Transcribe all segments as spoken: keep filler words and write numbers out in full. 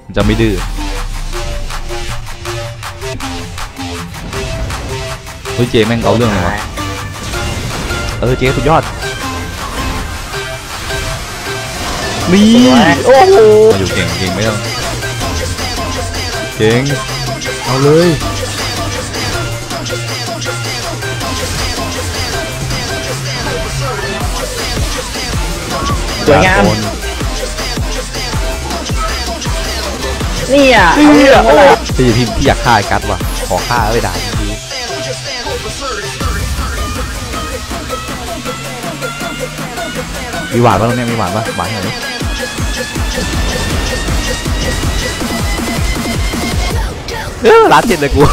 จะไม่ดื้อเฮ้ยเจแม่งเอาเรื่องเลยวะเออเจสุดยอดนี่โอ้โหมาอยู่เก่งเก่งไม่ต้องเก่งเอาเลยสวยงามนี่อ่ะนี่อ่ะพี่พี่พี่อยากฆ่าไอ้กัดว่ะขอฆ่าไว้ด่าทีมีหวานป่ะตรงนี้มีหวานป่ะหวานหน่อยเออร้านเจ็ดเลยกู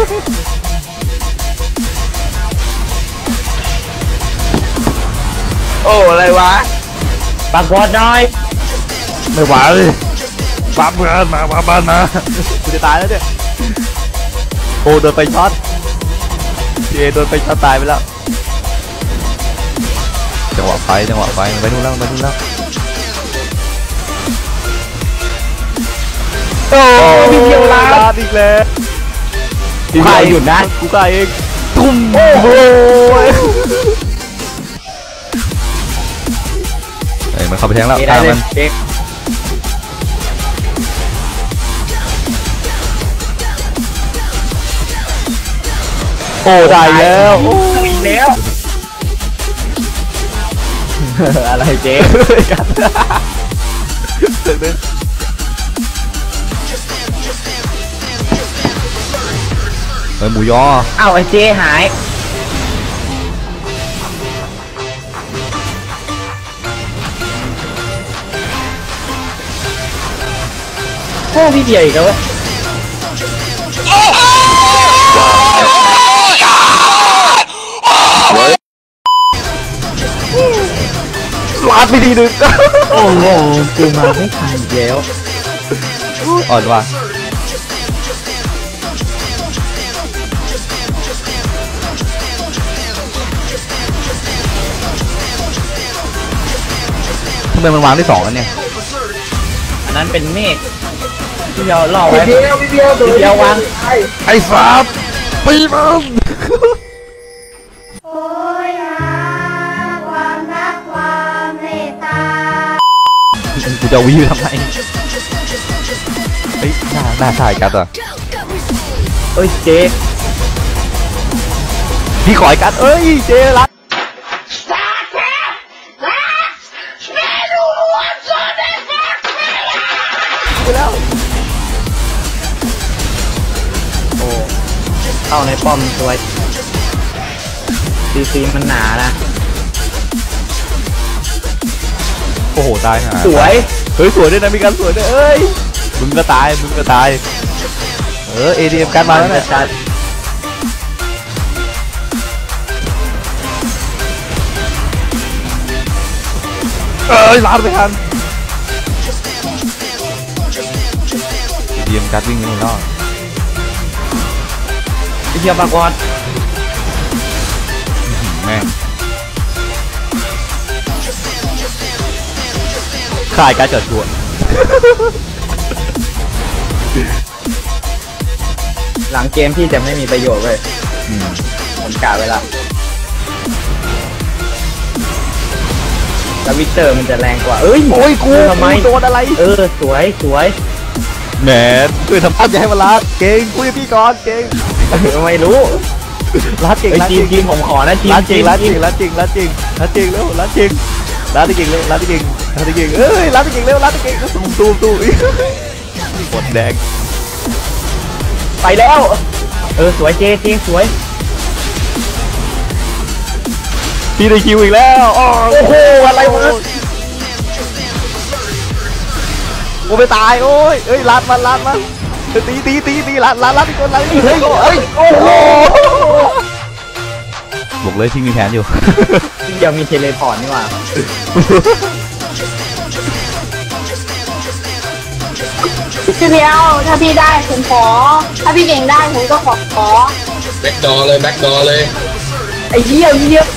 โอ้อะไรวะปากกอดหน่อยไม่ไหวเลยบ้าเพื่อนมาบ้าบ้านมากูจะตายแล้วเนี่ยโอ้โดนไปช็อตเจโดนไปช็อตตายไปแล้วจังหวะไฟจังหวะไฟมันไปนู่นแล้วไปนู่นแล้วโอ้พี่เดียวลาดอีกแล้วกูฆ่าหยุดนะกูฆ่าเองทุ่มโอ้โหไอ้มันเข้าไปแทงแล้วฆ่ามันโอ้ได้แล้วโอ้ยแล้วอะไรเจ๊กันเฮ้ยหมูยออ้าวไอ้เจ๊หายโอ้พี่เดียอีกแล้วลาดไปทีนึงโอ้โหกูมาไม่ทันแล้วอ่อนว่ะทำไมมันวางได้สองอันเนี่ยอันนั้นเป็นเมฆที่เราล่อไว้พี่เดียวพี่เดียวพี่เดียววางไอ้ฟาบปีมันกูจะวิ่งทำไมเฮ้ยหน้าหน้าถ่ายกัดอ่ะเอ้ยเจ๊พี่ขอยกัดเอ้ยเจ๊รักไปแล้วโอ้เข้าในป้อมสวยซีซีมันหนานะโอ้โหตายฮะสวยเฮ้ยสวยด้วยนะมีการสวยด้วยเอ้ยมึงก็ตายมึงก็ตายเออเอดีเอ็มการมาแล้วนะเอ้ยลาดไปทันเอดีเอ็มการวิ่งนี่เนาะไอ้เหี้ยปากวอดแม่ขายการจัดตัวหลังเกมพี่จะไม่มีประโยชน์เลยผมกะไว้ละแล้ววิกเตอร์มันจะแรงกว่าเอ้ยโอ้ยกูทำไมโดนอะไรเออสวยสวยแหมคือทำภาพอย่าให้มันลาดเก่งคุยพี่ก่อนเก่งไม่รู้ลาดเก่งลาดจริงจริงผมขอนะจริงลาดจริงลาดจริงลาดจริงลาดจริงลาดจริงแล้วลาดจริงลาดจริงเลยลาดจริงลาดจริงเอ้ยลาดจริงเร็วลาดจริงตูมตูมตูมหมดแดงไปแล้วเออสวยเจ๊จริงสวยพี่ได้คิวอีกแล้วโอ้โหอะไรวะกูไปตายโอ้ยเอ้ยลาดมันลาดมันตีตีตีตีลาดลาดลาดอีกคนลาดอีกคนเฮ้ยโอ้โหบอกเลยที่มีแผนอยู่ยังมีเทเลพอร์ตนี่หว่าพี่เดียวถ้าพี่ได้ผมขอถ้าพี่เก่งได้ผมก็ขอขอแบ็คดอเลยแบ็คดอเลยไอ้เหี้ยเหี้ย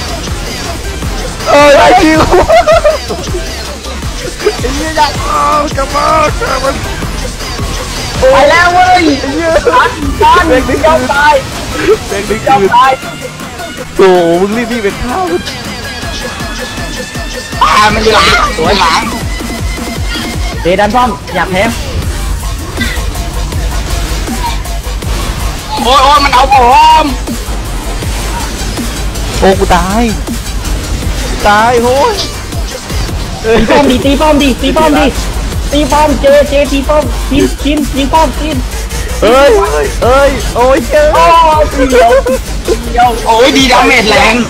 เออไอ้คิวไอ้เหี้ยอยากกลับมาฆ่ามันไปแล้วเว้ยตันตันยอมตายเด็กนี่ยอมคือตายโอ้มึงรีบรีบเป็นข้าวมันปลามันอยู่หลังสวยหลังเจดันป้อมอยากแพ้โอ้ยโอ้ยมันเอาผมโอ้กูตายตายโอ้ยตีป้อมดิตีป้อมดิตีป้อมดิตีป้อมเจเจตีป้อมชินชินยิงป้อมชินเอ้ยเอ้ยโอ้ยเจ้โอ้เดียวเดียวโอ้ยดีดาเมจแรง